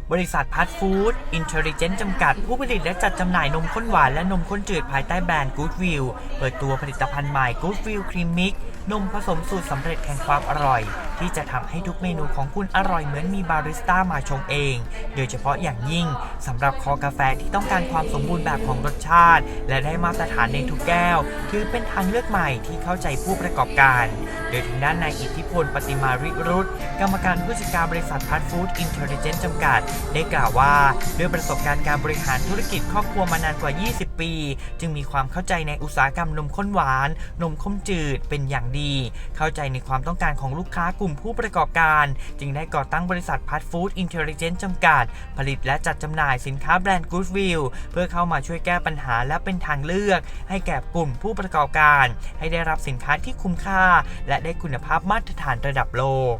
บริษัทพัทฟู้ดอินเทลลิเจนต์จำกัดผู้ผลิตและจัดจำหน่ายนมข้นหวานและนมข้นจืดภายใต้แบรนด์ Goodwill เปิดตัวผลิตภัณฑ์ใหม่ Goodwill Cream Mix นมผสมสูตรสำเร็จแห่งความอร่อยที่จะทำให้ทุกเมนูของคุณอร่อยเหมือนมีบาริสต้ามาชงเองโดยเฉพาะอย่างยิ่งสำหรับคอกาแฟที่ต้องการความสมบูรณ์แบบของรสชาติและได้มาตรฐานในทุกแก้วถือเป็นทางเลือกใหม่ที่เข้าใจผู้ประกอบการโดยทางด้านนายอิทธิพลปฏิมาริรุตกรรมการผู้จัดการบริษัทพัทฟู้ดอินเทลลิเจนต์จำกัดได้กล่าวว่าด้วยประสบการณ์การบริหารธุรกิจครอบครัวมานานกว่า 20 ปีจึงมีความเข้าใจในอุตสาหกรรมนมข้นหวานนมข้นจืดเป็นอย่างดีเข้าใจในความต้องการของลูกค้ากลุ่มผู้ประกอบการจึงได้ก่อตั้งบริษัทพัทฟู้ดอินเทลลิเจนต์จำกัดผลิตและจัดจำหน่ายสินค้าแบรนด์ Goodwill เพื่อเข้ามาช่วยแก้ปัญหาและเป็นทางเลือกให้แก่กลุ่มผู้ประกอบการให้ได้รับสินค้าที่คุ้มค่าและได้คุณภาพมาตรฐานระดับโลก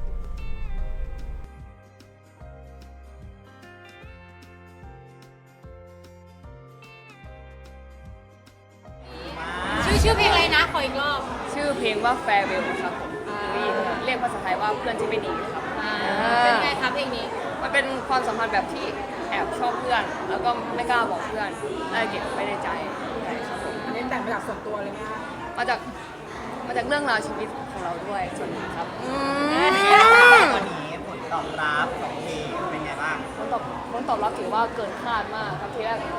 ชื่อเพลงอะไรนะขออีกรอบชื่อเพลงว่า Farewell ครับผมเรียกภาษาไทยว่าเพื่อนที่ไม่ดีครับเป็นไงครับเพลงนี้มันเป็นความสัมพันธ์แบบที่แอบชอบเพื่อนแล้วก็ไม่กล้าบอกเพื่อนได้เก็บไว้ในใจครับผมอันนี้แต่งมาจากส่วนตัวเลยไหมคะมาจากเรื่องราวชีวิตของเราด้วยส่วนหนึ่งครับวันนี้ผลตอบรับของเพลงเป็นไงบ้างผลตอบรับถือว่าเกินคาดมากครับทีแรก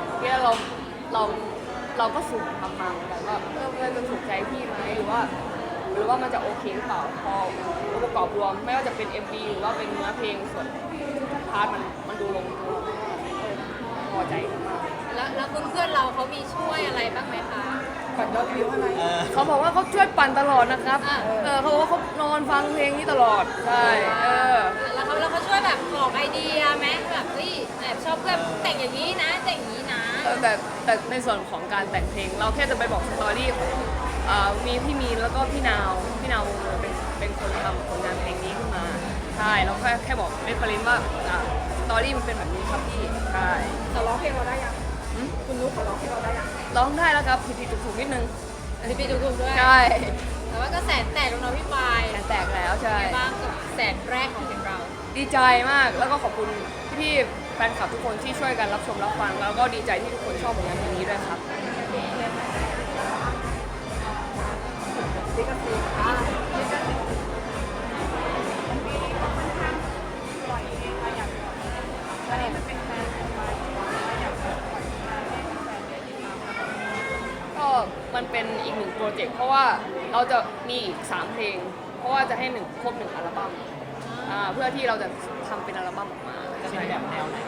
เราก็สุ่มทำมาเหมือนกันว่าเพื่อนจะถูกใจพี่ไหมหรือว่ามันจะโอเคหรือเปล่าพอองค์ประกอบรวมไม่ว่าจะเป็น MV หรือว่าเป็นเนื้อเพลงส่วนพาร์ทมันดูลงตัวพอใจมากแล้วเพื่อนเราเขามีช่วยอะไรบ้างไหมคะก่อนยอดวิวอะไรเขาบอกว่าเขาช่วยปั่นตลอดนะครับเขาบอกว่าเขานอนฟังเพลงนี้ตลอดใช่แล้วเขาช่วยแบบบอกไอเดียไหมแบบเฮ้ยแอบชอบเพื่อนแต่งอย่างนี้นะแต่งอย่างนี้นะแต่ในส่วนของการแต่งเพลงเราแค่จะไปบอกสตอรี่ของมีพี่มีนแล้วก็พี่นาววงเงินเป็นคนทำผลงานเพลงนี้ขึ้นมาใช่เราแค่บอกเล่นประเด็นว่าสตอรี่มันเป็นแบบนี้ครับพี่ใช่เขาร้องเพลงเราได้ยังคุณนุ๊กเขาร้องเพลงเราได้ยังร้องได้แล้วครับผิดถูกนิดนึงผิดถูกด้วยใช่แต่ว่าก็แสนแตกแล้วเนาะพี่ปายแตกแล้วใช่บ้างกับแสนแรกของเพลงเราดีใจมากแล้วก็ขอบคุณพี่แฟนคลับทุกคนที่ช่วยกันรับชมรับฟังแล้วก็ดีใจที่ทุกคนชอบผลงานเพลงนี้ด้วยครับก็มันเป็นอีกหนึ่งโปรเจกต์เพราะว่าเราจะมีอีก3เพลงเพราะว่าจะให้ครบ1อัลบั้มเพื่อที่เราจะทำเป็นอัลบั้มออกมาจะเป็นแบบแนวไหน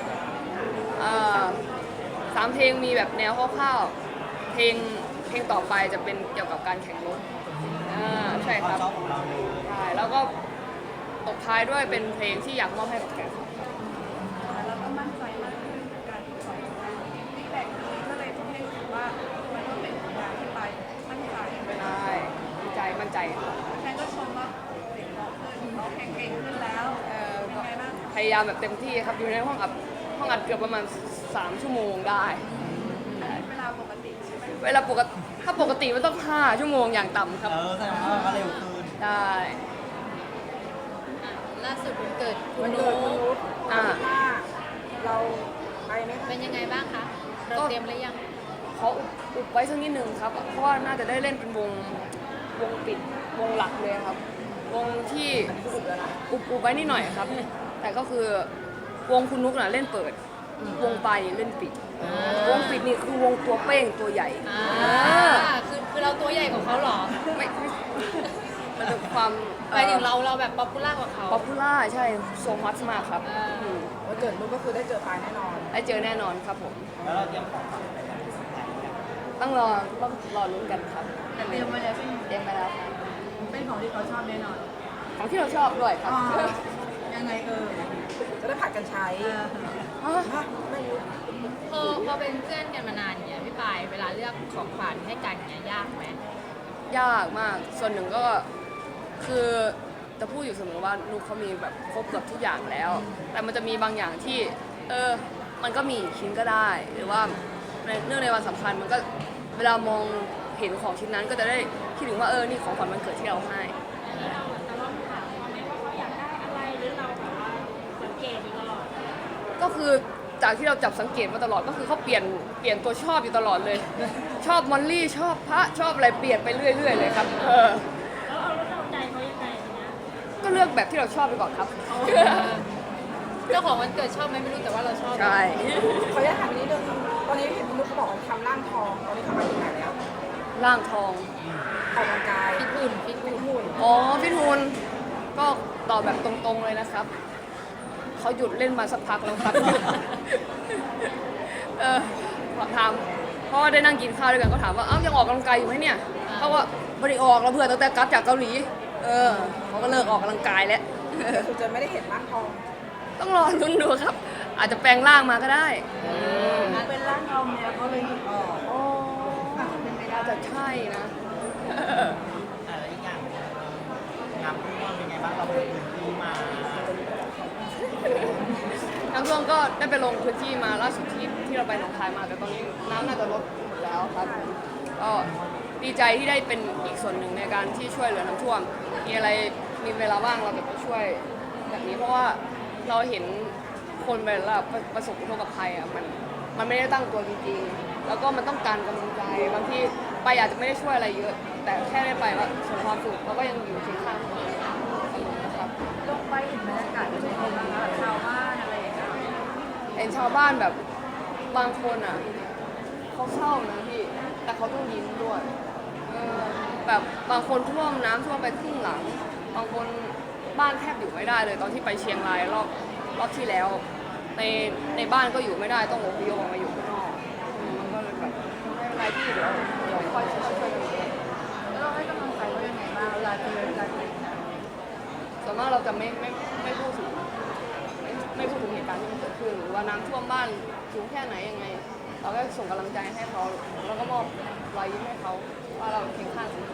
3เพลงมีแบบแนวคร่าวๆเพลงต่อไปจะเป็นเกี่ยวกับการแข่งรถใช่ครับใช่แล้วก็ตบท้ายด้วยเป็นเพลงที่อยากมอบให้กับแฟนคลับแล้วก็มั่นใจมากขึ้นการปล่อยที่แต่งนี้ก็เลยทำให้รู้สึกว่ามันก็เป็นผลงานที่ไปมั่นใจดีใจมั่นใจแฟนก็ชมว่าเสียงร้องขึ้นร้องเพลงเก่งขึ้นแล้วเป็นไงบ้างพยายามแบบเต็มที่ครับอยู่ในห้องอัดเกือบประมาณ3 ชั่วโมงได้เวลาปกติใช่ไหมเวลาปกติถ้าปกติมันต้อง5 ชั่วโมงอย่างต่ำครับแสดงว่าก็เร็วขึ้นได้ล่าสุดวันเกิดคุณนุ๊กเราไปไหมเป็นยังไงบ้างคะเราเตรียมหรือยังเขาอุบไว้สักนิดนึงครับเพราะว่าน่าจะได้เล่นเป็นวงปิดวงหลักเลยครับวงที่อุบไว้นิดหน่อยครับแต่ก็คือวงคุณนุ๊กน่ะเล่นเปิดวงไปเล่นปิดวงปิดนี่คือวงตัวเป้งตัวใหญ่คือเราตัวใหญ่กว่าเขาหรอไม่มันเป็นความไปถึงเราแบบป๊อปปูล่ากว่าเขาป๊อปปูล่าใช่โซมัสมากครับวันเกิดนุ๊กก็คือได้เจอปายแน่นอนได้เจอแน่นอนครับผมแล้วเราเตรียมของต้องรอลุ้นกันครับเตรียมมาแล้วเตรียมมาแล้วครับเป็นของที่เขาชอบแน่นอนของที่เราชอบด้วยครับยังไงจะได้ผัดกันใช้ไม่รู้พอเป็นเพื่อนกันมานานเนี่ยพี่ปายเวลาเลือกของขวัญให้กันเนี่ยยากไหมยากมากส่วนหนึ่งก็คือจะพูดอยู่เสมอว่านุ๊กเขามีแบบครบเกือบทุกอย่างแล้วแต่มันจะมีบางอย่างที่มันก็มีชิ้นก็ได้หรือว่าเนื่องในวันสำคัญมันก็เวลามองเห็นของชิ้นนั้นก็จะได้คิดถึงว่านี่ของขวัญวันเกิดที่เราให้ก็คือจากที่เราจับสังเกตมาตลอดก็คือเขาเปลี่ยนตัวชอบอยู่ตลอดเลย ชอบมอลลี่ชอบพระชอบอะไรเปลี่ยนไปเรื่อยๆเลยครับแล้วเราใจเขายังไงเนี่ยก็เลือกแบบที่เราชอบไปก่อนครับเจ้าของวันเกิดชอบไหมไม่รู้แต่ว่าเราชอบใช่ขออนุญาตถามนิดนึงตอนนี้เห็นคุณลูกเขาบอกว่าทำร่างทองตอนนี้ทำมาถึงไหนแล้วร่างทองออกกำลังกายฟิตหุ่นอ๋อพี่ทูนก็ตอบแบบตรงๆเลยนะครับเขาหยุดเล่นมาสักพักแล้วครับ ถามเพราะว่าได้นั่งกินข้าวด้วยกันก็ถามว่าเอ้ายังออกกำลังกายอยู่ไหมเนี่ยเขาว่าไม่ได้ออกแล้วเพื่อนตั้งแต่กลับจากเกาหลีเขาก็เลิกออกกำลังกายแล้วคุณจะไม่ได้เห็นร่างทองต้องรอลุ้นดูครับ อาจจะแปลงร่างมาก็ได้เป็นร่างทองเนี่ยก็เลยหยุดออกอ๋อน่าจะใช่นะอะไรอีกอย่างงานพุ่งเป็นไงบ้างเราไปพื้นที่มาน้ำท่วมก็ได้ไปลงพื้นที่มาล่าสุดที่เราไปหนองคายมาแต่ตอนนี้น้ำน่าจะลดหมดแล้วครับก็ดีใจที่ได้เป็นอีกส่วนหนึ่งในการที่ช่วยเหลือน้ำท่วมมีอะไรมีเวลาว่างเราจะไปช่วยแบบนี้เพราะว่าเราเห็นคนเวลาประสบอุทกภัยอ่ะมันไม่ได้ตั้งตัวจริงๆแล้วก็มันต้องการกำลังใจบางทีไปอาจจะไม่ได้ช่วยอะไรเยอะ แต่แค่ได้ไปว่าส่งความสุขเราก็ยังอยู่เคียงข้างเขาครับลงไปเห็นบรรยากาศเป็นยังไงบ้างคะชาวบ้านอะไรอย่างเงี้ยเห็นชาวบ้านแบบบางคนอ่ะเขาเศร้านะพี่แต่เขาต้องยิ้มด้วยแบบบางคนน้ำท่วมไปครึ่งหลังบางคนบ้านแทบอยู่ไม่ได้เลยตอนที่ไปเชียงรายรอบที่แล้วในบ้านก็อยู่ไม่ได้ต้องอพยพออกมาอยู่ข้างนอกมันก็เลยแบบไม่เป็นไรพี่เดี๋ยวค่อยช่วยกันเองแล้วเราให้กำลังใจเขายังไงบ้างเวลาเจอนะส่วนมากเราจะไม่พูดถึงไม่พูดถึงเหตุการณ์ที่มันเกิดขึ้นหรือว่าน้ำท่วมบ้านสูงแค่ไหนยังไง เราก็ส่งกำลังใจให้เขาแล้วก็มอบรอยยิ้มให้เขาว่าเราเคียงข้างเขา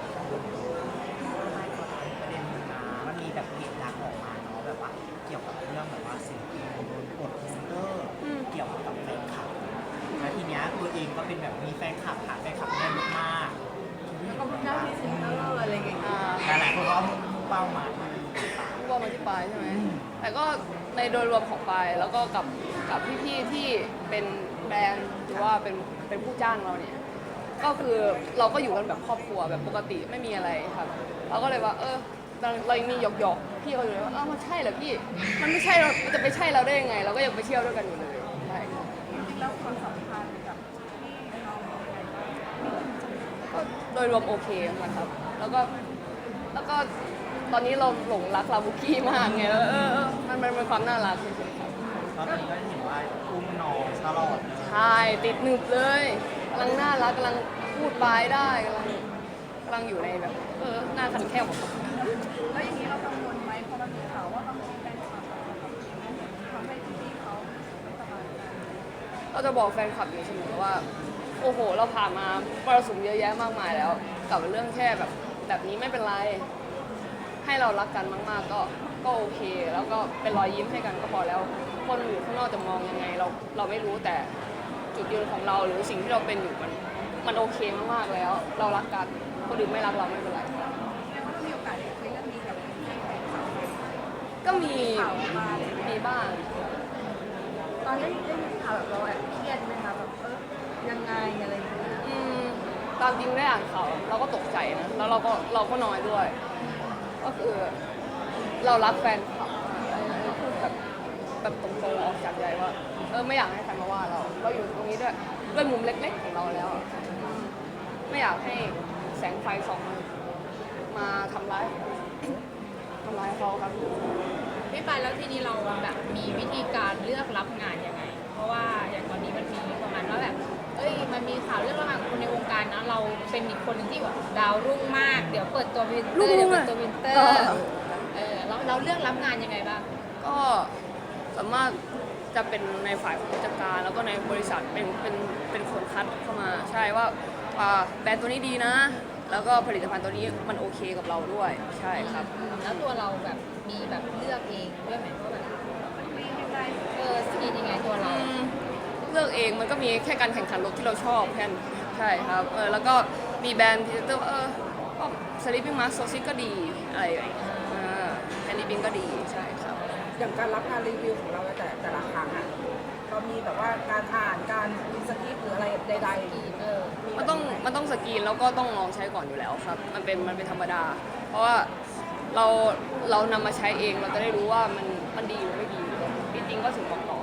มันมีแบบเพจดังออกมาเนาะแบบว่าเกี่ยวกับเรื่องแบบว่าศิลปินโดนกดโปสเตอร์เกี่ยวกับแฟนคลับแล้วทีเนี้ยตัวเองก็เป็นแบบมีแฟนคลับหาแฟนคลับได้เยอะมากขอบคุณนะพี่ซิสเตอร์อะไรอย่างเงี้ยหลายๆคนก็เอามุ่งเป้ามาที่พูดว่ามาที่ปลายใช่ไหมแต่ก็ในโดยรวมของปลายแล้วก็กับพี่ๆที่เป็นแบรนด์หรือว่าเป็นผู้จ้างเราเนี่ยก็คือเราก็อยู่กันแบบครอบครัวแบบปกติไม่มีอะไรครับเราก็เลยว่าเรายังมีหยอกๆพี่เขาอยู่เลยว่ามันใช่เหรอพี่มันไม่ใช่เราจะไปใช่เราได้ยังไง เราก็ยังไปเที่ยวด้วยกันอยู่เลยใช่จริงๆแล้วความสัมพันธ์กับพี่น้องเป็นยังไงบ้างก็โดยรวมโอเคนะครับแล้วก็ตอนนี้เราหลงรักลาบุกี้มากไงมันเป็นความน่ารักเฉยๆครับตอนนี้ก็เห็นว่าอุ้มน้องตลอดใช่ติดหนึบเลยกำลังน่ารักกำลังพูดปลายได้กำลังอยู่ในแบบหน้าคันแค่หมดแล้วอย่างนี้เรากังวลไหมเพราะมันมีข่าวว่าบางทีแฟนคลับทำให้พี่เขาไม่สบายใจเราจะบอกแฟนคลับอยู่เสมอว่าโอ้โหเราผ่านมามรสุมเยอะแยะมากมายแล้วกับเรื่องแค่แบบนี้ไม่เป็นไรให้เรารักกันมากๆก็โอเค แล้วก็เป็นรอยยิ้มให้กันก็พอแล้วคนอยู่ข้างนอกจะมองยังไงเราไม่รู้แต่จุดยืนของเราหรือสิ่งที่เราเป็นอยู่มันโอเคมากๆแล้ว เรารักกันคนอื่นไม่รักเราไม่เป็นไรแล้วก็มีโอกาสได้คุยเรื่องนี้กับพี่แฟนคลับไหมก็มีข่าวออกมาอะไรอย่างเงี้ยมีบ้างตอนได้ยินข่าวแบบเราแอบเครียดไหมคะแบบยังไงอะไรอย่างเงี้ยตามจริงได้อ่านข่าวเราก็ตกใจนะแล้วเราก็น้อยด้วย ก็คือเรารักแฟนคลับพูดแบบตรงๆออกจากใจว่าไม่อยากให้ใครมาว่าเราอยู่ตรงนี้ด้วยมุมเล็กๆของเราแล้วอะไม่อยากให้แสงไฟส่องมาทำร้ายเขาครับพี่ปายแล้วทีนี้เราแบบมีวิธีการเลือกรับงานยังไง เพราะว่าอย่างตอนนี้มันมีประมาณว่าแบบมันมีข่าวเรื่องระหว่างคนในวงการนะเราเป็นอีกคนหนึงที่แบบดาวรุ่งมากเดี๋ยวเปิดตัววินเตอร์เดี๋ยวเปิดตัววินเตอร์เราเลือกรับงานยังไงบ้างก็สามารถจะเป็นในฝ่ายของผู้จัดการแล้วก็ในบริษัทเป็นคนคัดเข้ามาใช่ว่าแบรนด์ตัวนี้ดีนะ แล้วก็ผลิตภัณฑ์ตัวนี้มันโอเคกับเราด้วยใช่ครับแล้วตัวเราแบบมีแบบเลือกเองด้วยไหมว่าแบบสกินยังไงตัวเราเลือกเองมันก็มีแค่การแข่งขันรถที่เราชอบแค่นั้นใช่ครับแล้วก็มีแบรนด์พรีเซนเตอร์ก็สลิปปิ้งมาร์คโซซิก็ดีอะไรอย่างเงี้ยแฮนดี้บิงก็ดีใช่ครับอย่างการรับงานรีวิวของเราแต่ละครั้งอะมีแบบว่าการอ่านการรีสคริปต์หรืออะไรใดๆมีมันต้องสกรีนแล้วก็ต้องลองใช้ก่อนอยู่แล้วครับ มันเป็นธรรมดา เพราะว่าเรานำมาใช้เองเราจะได้รู้ว่ามันดีหรือไม่ดีจริงๆก็ถึงบอกต่อ